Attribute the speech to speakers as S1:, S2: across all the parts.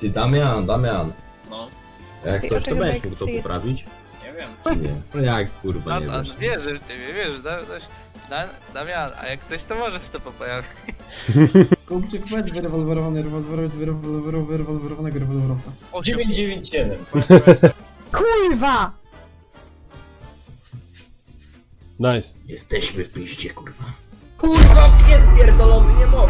S1: Ty Damian.
S2: No,
S1: Jak
S3: Ej,
S1: coś,
S3: a
S1: to
S3: czego
S1: będziesz
S3: tak
S1: mógł to
S3: jest?
S1: poprawić?
S2: nie wiem.
S1: Czy nie? No jak kurwa nie wiesz?
S4: Wierzę w ciebie, wiesz, Damian, a jak coś to możesz to poprawić.
S5: Kupczyk, weź wyrewolwerowanego rewolwerowca.
S2: 997.
S6: Kurwa!
S7: Nice.
S1: Jesteśmy w piździe, kurwa.
S8: Kurwa, jest pierdolony, nie mogę.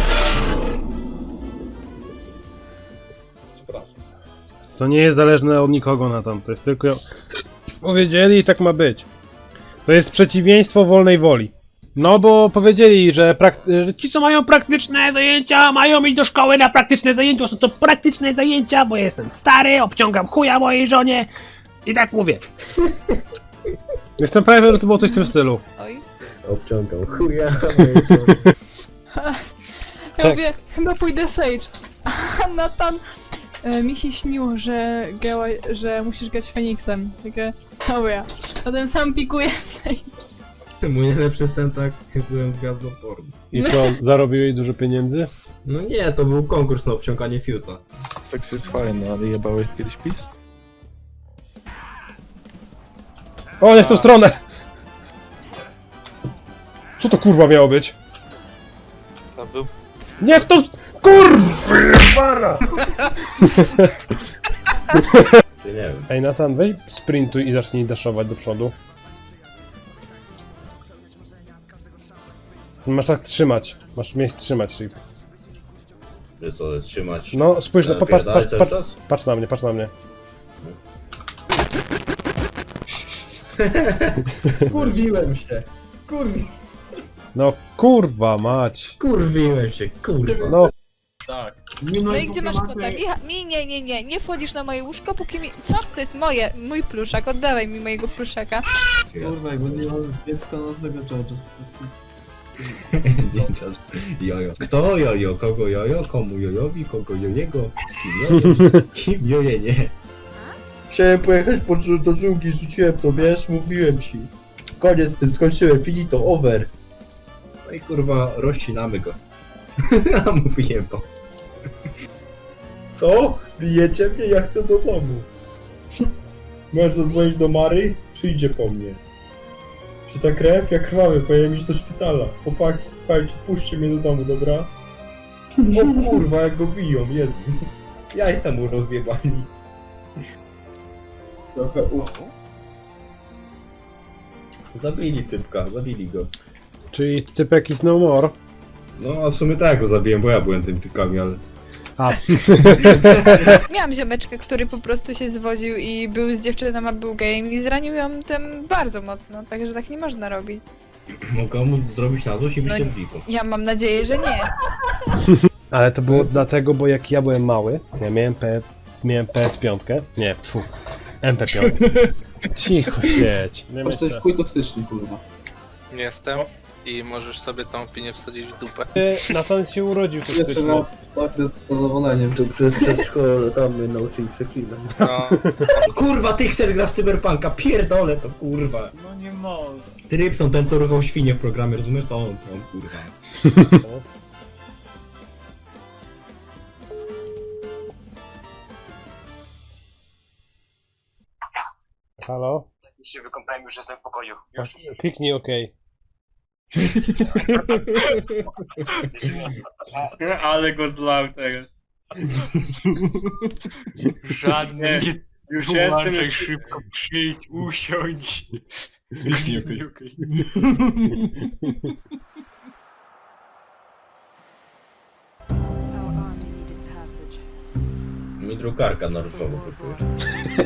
S7: To nie jest zależne od nikogo na tam, to jest tylko... Powiedzieli i tak ma być. To jest przeciwieństwo wolnej woli. No bo powiedzieli, że ci co mają praktyczne zajęcia, mają iść do szkoły na praktyczne zajęcia, są to praktyczne zajęcia, bo jestem stary, obciągam chuja mojej żonie i tak mówię. Jestem pewien, że to było coś w tym stylu.
S3: Oj.
S1: Obciągał chuja.
S6: Ja mówię, chyba pójdę Sage. A Nathan mi się śniło, że musisz grać Feniksem. Takie, dobra. Potem sam pikuje Sage.
S1: Mój najlepszy sen tak, byłem w gwiazdopornu.
S7: I co, zarobiłeś dużo pieniędzy?
S1: No nie, to był konkurs na obciąganie fiuta.
S9: Seks jest fajny, ale jebałeś kiedyś PiS?
S7: O, nie w tą stronę! Co to kurwa miało być?
S4: To był...
S7: Nie w tą... Kurwa!
S1: Ty nie wiem.
S7: Ej Nathan, weź sprintuj i zacznij daszować do przodu. Masz tak trzymać. Masz mieć trzymać shift.
S1: Że to trzymać.
S7: No spójrz, no popatrz,
S1: Napierdalać
S7: patrz,
S1: cały
S7: patrz,
S1: czas?
S7: patrz na mnie, patrz na mnie.
S5: Kurwiłem się.
S7: No kurwa mać.
S1: Kurwiłem się, kurwa.
S7: No
S2: Tak.
S3: No i gdzie masz kota? Nie wchodzisz na moje łóżko, póki mi... Co? To jest mój pluszak, oddawaj mi mojego pluszaka.
S5: Kurwa, jakby nie mam dziecka nocnego George'a.
S1: Jojo. Kto jojo? Kogo jojo? Komu jojowi? Kogo jojego? Z kim jojo? Kim joje nie?
S8: Chciałem pojechać do dżungli, rzuciłem to, wiesz, mówiłem ci. Koniec z tym, skończyłem, finito, over.
S1: No i kurwa, rozcinamy go. A mówiłem to.
S8: Co? Bijecie mnie? Ja chcę do domu. Możesz zadzwonić do Mary? Przyjdzie po mnie. Czy ta krew? Ja krwawy, powinienem iść do szpitala. Chłopaki, słuchajcie, puśćcie mnie do domu, dobra? O kurwa, jak go biją, Jezu. Jajca mu rozjebali. Trochę
S1: Zabili typka, zabili go.
S7: czyli typek is no more.
S1: No a w sumie tak go zabiłem, bo ja byłem tym typkami, ale...
S7: A,
S3: Miałam ziomeczkę, który po prostu się zwodził i był z dziewczyną, a był gejem i zranił ją tym bardzo mocno, także tak nie można robić.
S1: Mogę mu zrobić na złość i
S3: No
S1: byście
S3: nie.
S1: z Wiką.
S3: Ja mam nadzieję, że nie.
S7: ale to było dlatego, bo jak ja byłem mały, ja miałem PS5. Nie, tfu. MP5. Cicho siedź. Nie
S5: Patrz, to jest
S7: myślę.
S5: chuj toksyczny, kurwa.
S4: Jestem i możesz sobie tą opinię wsadzić w dupę.
S7: Nathan się urodził
S5: Jeszcze
S7: toksyczny.
S5: raz starty z zadowoleniem.
S8: Tu przez przedszkole tam mnie nauczyli przeklinać.
S4: No,
S1: Kurwa, Tyxer gra w Cyberpunka, pierdolę to kurwa.
S2: No nie może.
S1: Trypson, ten co ruchał świnie w programie, rozumiesz? To on kurwa.
S7: Halo?
S10: Już się wykąpałem, już jestem w pokoju. Już.
S7: Kliknij OK.
S2: Ale go zlał teraz.
S10: Żadny.
S2: Już
S10: Jestem
S2: jestem
S10: szybko, przyjdź, usiądź. Okay.
S1: Mi drukarka na różowo kupuje.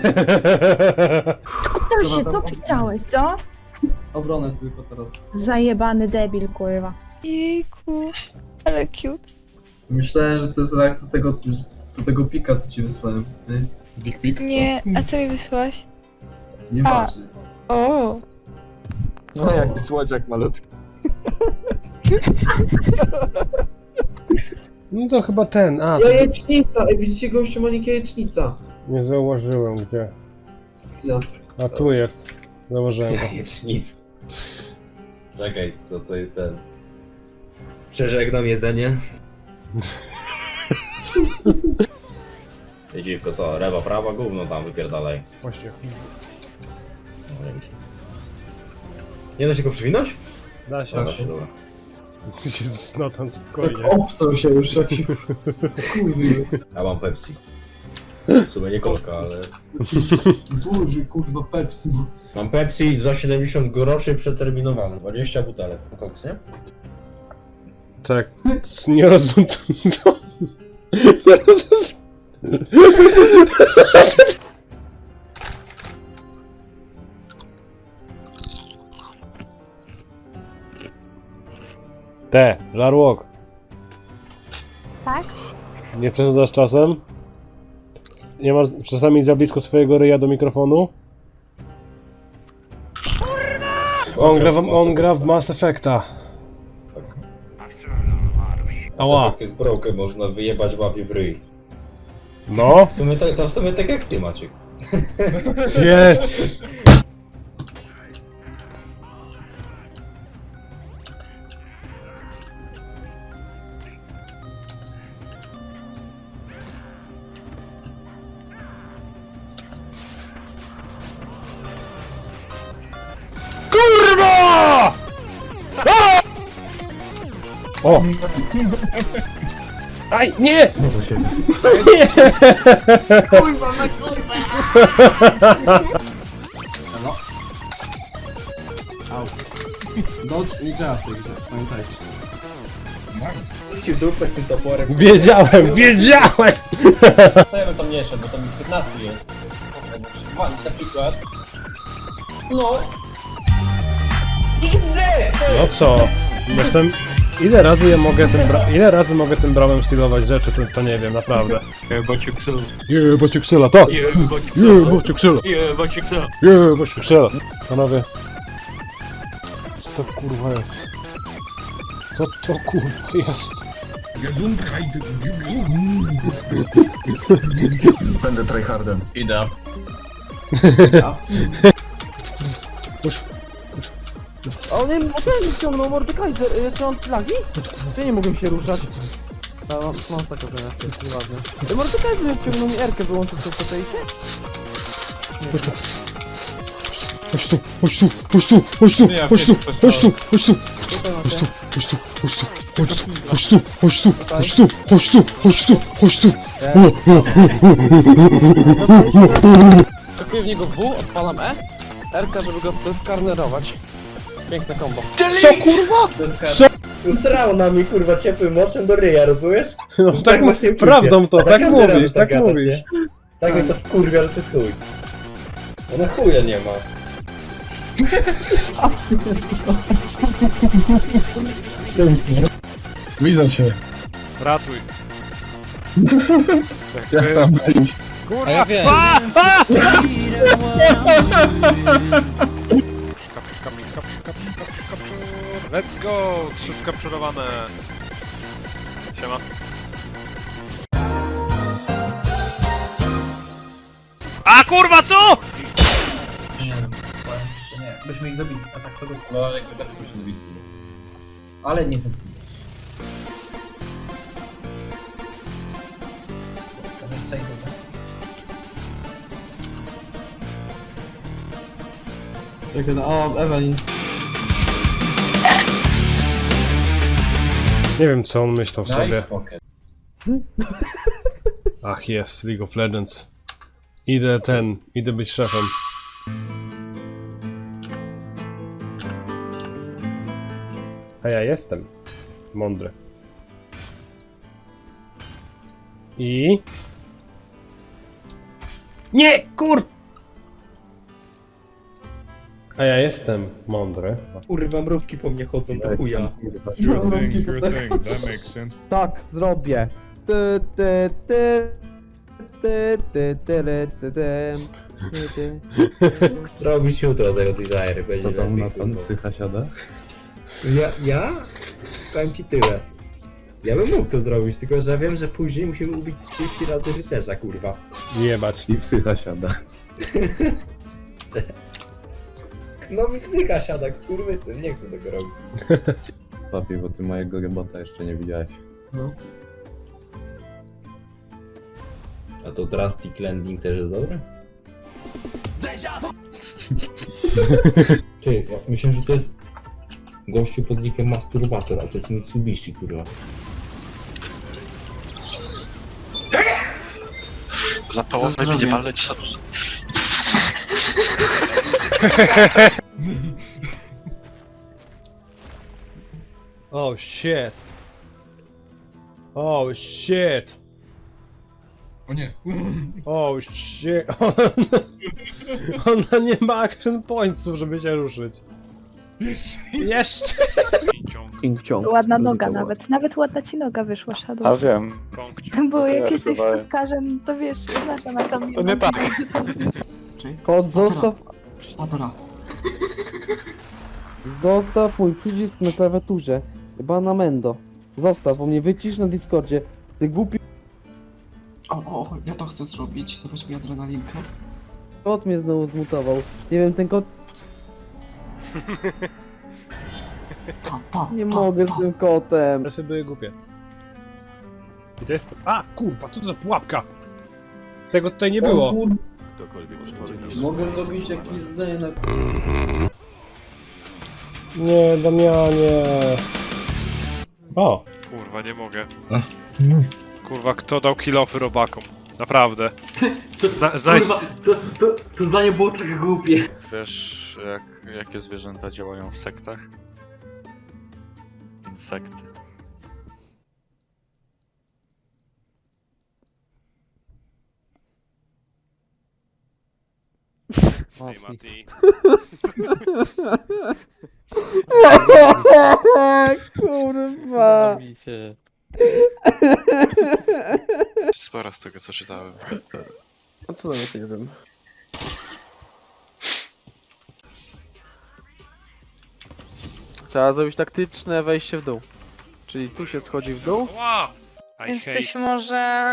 S6: Kupusie, co ty chciałeś, co?
S5: Obronę tylko teraz.
S6: Zajebany debil, kurwa.
S3: Jejku, ale cute.
S5: Myślałem, że to jest reakcja do tego pika, co ci wysłałem.
S3: Nie, a co mi wysłałaś?
S5: Nieważne.
S3: O,
S9: No jaki słodziak malutki.
S7: No to chyba ten, a,
S8: Jajecznica! Ej, widzicie gościu, Monika jajecznica.
S7: nie zauważyłem gdzie.
S5: Chwila.
S7: A tu jest. Założyłem go.
S1: Jajecznica. Czekaj, co to jest ten... Przeżegnam jedzenie. Ty dziwko, co? Lewa, prawa, gówno tam wypierdalaj.
S7: Właśnie.
S1: No, dzięki. Nie da się go przywinąć?
S7: Da się.
S1: Da się, dobra.
S7: Jest, no tam
S5: Tak
S7: spokojnie.
S5: obstał się już, jak się kurwił.
S1: Ja mam Pepsi. W sumie nie kolka, ale...
S5: Boże, kurwa, Pepsi.
S1: Mam Pepsi za 70 groszy przeterminowane. 20 butelek. Koks, nie?
S7: Tak, nie rozumiem. Co? Nie rozumiem. Żarłok.
S3: Tak?
S7: Nie przesadzasz czasem? Nie masz czasami za blisko swojego ryja do mikrofonu? On gra w Mass Effecta. Ała.
S1: Ty z broken można wyjebać łapie w ryj.
S7: No?
S1: W sumie tak jak ty, Maciek.
S7: Nie. Kurwa! O! Aj, nie! Nie!
S5: Dodge nie działa w tej grze, pamiętajcie.
S1: Ci w dupę z tym toporem.
S7: Wiedziałem!
S2: To ja bym tam nie szedł, bo tam 15 jest. Walić na przykład. No.
S7: No co? Jestem... Ile razy mogę tym bramem stylować rzeczy, to nie wiem, naprawdę. Jebać Excela, tak! Jebać Excela! Panowie... Co to kurwa jest? Co to kurwa jest?
S9: Będę tryhardem.
S2: Idę.
S11: A on nie ściągnął Mordekaiser, jeszcze mam flagi? Czy nie mogłem się ruszać? Mam taką reakcję, nieważne. Mordekaiser ściągnął mi Erkę, wyłączył przez to fejsie?
S7: Chodź tu!
S11: Skakuję w niego W, odpalam E, Erka, żeby go skarnerować. Piękne combo.
S7: Co kurwa?
S1: Srał na mnie kurwa ciepłym moczem do ryja, rozumiesz?
S7: No
S1: Tak
S7: tak,
S1: właśnie
S7: prawdą to,
S1: A za
S7: tak
S1: każdym razem
S7: mówi, tak
S1: gadasz,
S7: mówi.
S1: nie? Tak mnie to wkurwia, ale to jest chuj. Ona chuja nie ma.
S9: Widzę cię.
S7: Ratuj.
S9: Jak tam byliś?
S7: Kurwa! Ja wiem. Let's go! 3 skapczurowane. Siema. A kurwa co?!
S5: Nie, powiem ci, że nie. Byśmy ich zabili, a tak to by...
S2: No ale jakby też muszę zrobić.
S5: Ale nie są. Czekaj, no, o, Evelyn.
S7: Nie wiem co on myślał sobie.
S2: Nice pocket.
S7: Ach jest, League of Legends. Idę być szefem. A ja jestem mądry. I... Nie, kur... A ja jestem mądry.
S1: Kurwa, mrówki po mnie chodzą, to chuja.
S11: Tak, zrobię.
S1: Robić jutro tego designer, będzie lepiej.
S9: Psycha siada?
S1: Ja? Powiem ci tyle. Ja bym mógł to zrobić, tylko że wiem, że później musimy ubić 30 razy rycerza, kurwa.
S7: Jebać.
S9: I psycha siada.
S1: No mi psycha siada, skurwysyn, nie chcę tego robić.
S9: Papi, bo ty mojego robota jeszcze nie widziałeś.
S5: No.
S1: A to Drastic Landing też jest dobre? Ty, ja myślę, że to jest gościu pod nickiem Masturbator, a to jest Mitsubishi, kurwa.
S10: Za połowę będzie paleć sobie.
S7: Oh shit. Oh shit.
S8: O nie.
S7: Oh shit. Ona nie ma action pointsów, żeby się ruszyć. Jeszcze.
S11: King ciąg.
S3: Ładna noga nawet ładna ci noga wyszła, Shadow.
S9: A wiem.
S3: Bo jak
S9: ja
S3: jesteś
S9: rysowałem.
S3: stopkarzem, to wiesz, znasz anatomię.
S9: To nie tak.
S11: Kot, zostaw...
S5: Patera.
S11: Zostaw mój przycisk na klawiaturze. Chyba na Mendo. Zostaw, bo mnie wycisz na Discordzie. Ty głupi
S5: O, ja to chcę zrobić. Dawać mi adrenalinkę.
S11: kot mnie znowu zmutował. Nie wiem, ten kot... Nie mogę z tym kotem.
S7: Presy były głupie. I to jest... A, kurwa, co to za pułapka? Tego tutaj nie było.
S11: Mogę zrobić jakieś zdanie na...
S7: Nie, Damianie. O.
S10: Kurwa, nie mogę. Kurwa, kto dał kill-offy robakom? Naprawdę. Znajdź...
S5: To zdanie było tak głupie.
S9: Wiesz, jakie zwierzęta działają w sektach? Insekty.
S10: Ej, Mati.
S11: Kurwa.
S10: Sporo z tego, co czytałem.
S11: A co nawet nie wiem. Trzeba zrobić taktyczne wejście w dół. Czyli tu się schodzi w dół.
S10: Wow!
S6: Jesteś może...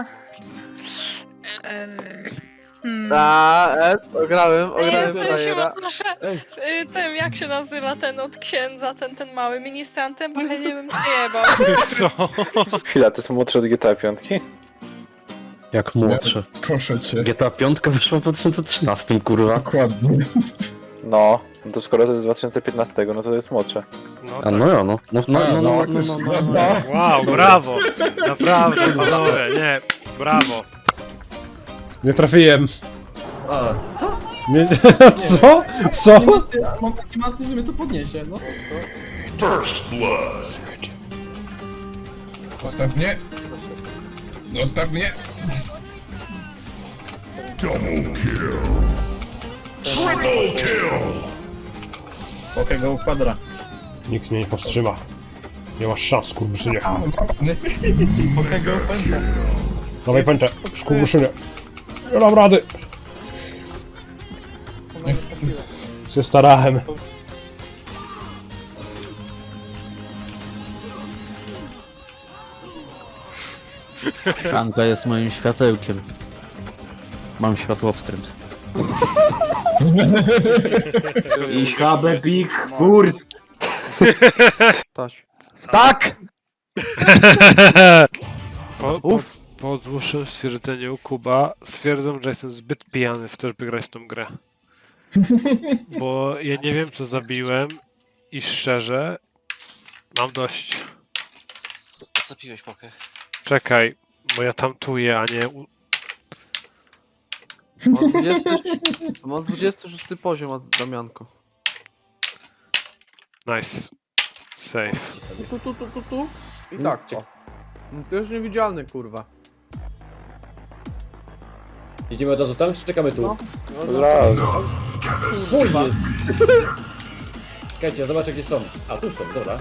S11: Ograłem
S6: Jesteś
S11: frajera.
S6: może tym, jak się nazywa ten od księdza, ten mały ministrantem, bo ja nie wiem, czy jebał.
S10: Co?
S9: Chwila, to są młodsze od GTA 5?
S12: Jak młodsze.
S8: Proszę cię.
S12: GTA 5 wyszła w 2013, kurwa.
S8: Dokładnie.
S9: No, to skoro to jest 2015, no to jest młodsze.
S12: A no ja, no. No.
S10: Wow, brawo! Naprawdę, panowie, nie, brawo.
S7: Nie trafiłem. Nie, co? Co?
S5: Mam takie macy, że mnie to podniesie, no.
S8: Zostaw mnie. Zostaw mnie.
S2: Pokiego ukwadra.
S7: Nikt mnie nie powstrzyma. Nie masz szans, skurwyszynie.
S2: Pokiego ukwadra.
S7: Dawaj pęczę, skurwyszynie. Nie dam rady. Się starałem.
S12: Franka jest moim światełkiem. Mam światłowstręt.
S11: Ich habe big Wurst. Taś. Tak!
S10: Po dłuższym stwierdzeniu Kuba stwierdzam, że jestem zbyt pijany w to, żeby grać w tą grę. Bo ja nie wiem, co zabiłem i szczerze mam dość.
S2: Co piłeś, Pokę?
S10: Czekaj, bo ja tamtuję, a nie...
S11: Mam 26 poziom, Damianko.
S10: Nice. Safe.
S11: Tu. I tak, o. To już niewidzialny, kurwa.
S2: Idziemy od razu tam, czy czekamy tu?
S11: No.
S2: Kurwa! Czekajcie, zobaczę gdzie są. A, tu są, dobra.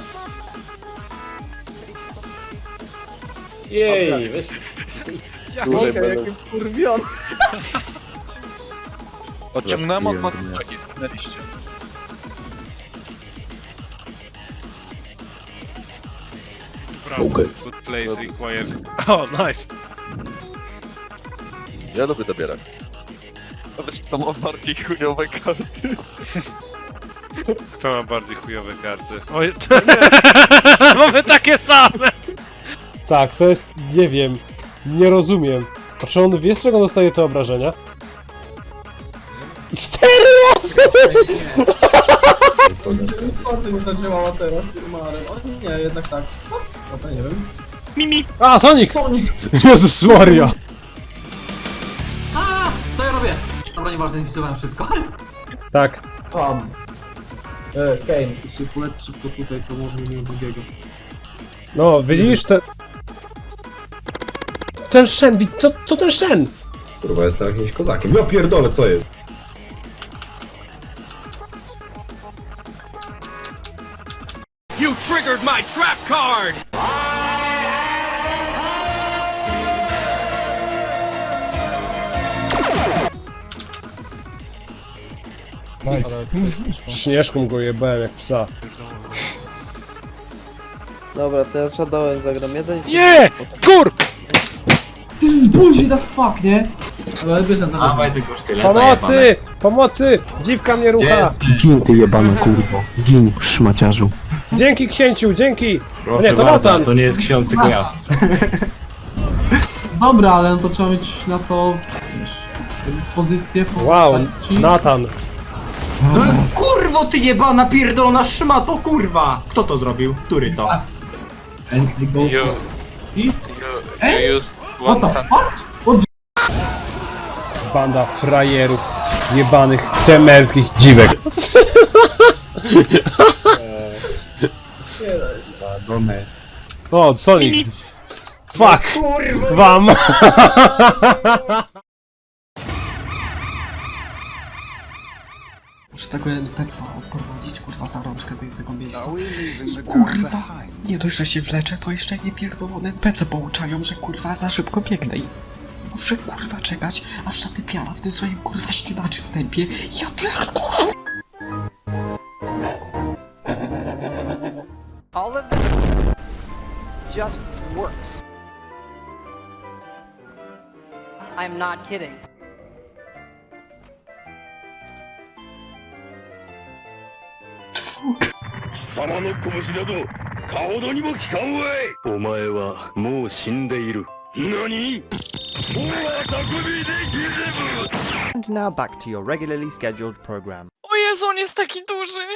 S2: Jej, weź.
S11: Okej, jakim kurwion.
S9: Odciągnąłem od masy, stanęliście.
S10: Brawo. Good place requires... O, nice!
S9: Ja lubię dobierać. A wiesz, kto ma bardziej chujowe karty?
S10: Kto ma bardziej chujowe karty? Oj, mamy takie same!
S7: Tak, to jest, nie wiem, nie rozumiem. A czy on wie, z czego dostaje te obrażenia? 4 razy!
S5: Co nie zadziałała teraz, Marem? O nie, jednak tak. Co? No to nie wiem.
S7: A, Sonic!
S5: Sonic!
S7: Jezus Maria!
S11: Co ja robię? Dobra, nieważne, zwisowałem wszystko.
S7: Tak.
S5: Tam. Kane, jeśli polec szybko tutaj, to może nie drugiego.
S7: No, widzisz, ten Shen, co ten Shen?
S1: Kurwa, jestem jakimś kozakiem. Ja pierdolę, co jest?
S13: You triggered my trap card!
S8: Nice.
S7: Śnieżką go jebałem jak psa.
S11: Dobra, teraz Shadowem zagram jeden.
S7: Nie! Kur!
S5: Ty z bullshit as fuck, nie? Ale wiesz, na to
S7: Pomocy! Pomocy! Dziwka mnie rucha!
S12: Gin ty jebana kurwo. Gin, szmaciarzu.
S7: Dzięki księciu, dzięki! O nie, to Nathan!
S1: To nie jest ksiądz, tylko ja.
S5: Dobra, ale no to trzeba mieć na to wiesz, dyspozycję.
S7: Wow,
S5: postaci.
S7: Nathan.
S11: Kurwo ty jebana pierdolona szmato, kurwa! Kto to zrobił? Który to?
S5: And we go
S4: You,
S5: for this.
S4: you use
S5: What
S4: one
S5: the
S4: hand.
S5: fuck?
S7: Banda frajerów, jebanych, temerskich dziwek. O, Sonic. Fuck! Wam!
S11: Muszę tego NPC-a odprowadzić, kurwa, za rączkę do tego miejsca. I kurwa, nie dość, że się wleczę, to jeszcze nie pierdolone NPC pouczają, że kurwa za szybko biegnę i muszę kurwa czekać, aż ta typiara w tym swoim kurwa ślimaczym tempie. Ja pierdolę!
S13: All of this just works. I'm not kidding. And now back to your regularly scheduled program.
S3: O Jezu, on jest taki duży!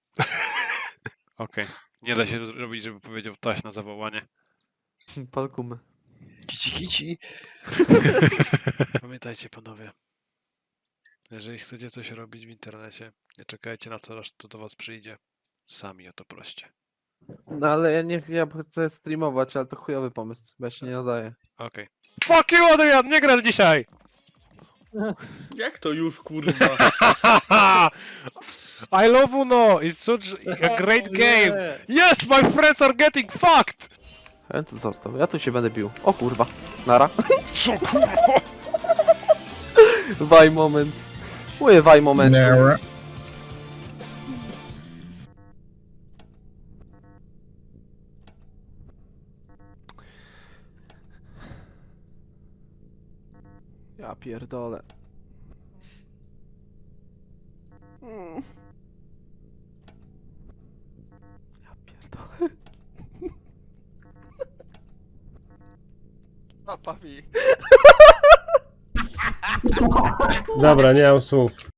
S10: Okej. Nie da się zrobić, żeby powiedział taś na zawołanie.
S11: Palkumy.
S9: Kici kici.
S10: Pamiętajcie panowie, jeżeli chcecie coś robić w internecie, nie czekajcie na to, aż to do was przyjdzie. Sami o to proście.
S11: No ale ja chcę streamować, ale to chujowy pomysł, bo ja się nie nadaję.
S10: Okej. Fuck you Adrian, nie grasz dzisiaj!
S9: Jak to już kurwa?
S10: I love Uno, it's such a great game! Yes, my friends are getting fucked!
S11: Ja tu został, ja tu się będę bił. O kurwa, nara.
S10: Co kurwa?
S11: Waj moment. Mówię waj moment. Ja pierdolę. Ja pierdolę.
S4: Papa mi.
S7: Dobra, nie mam słów.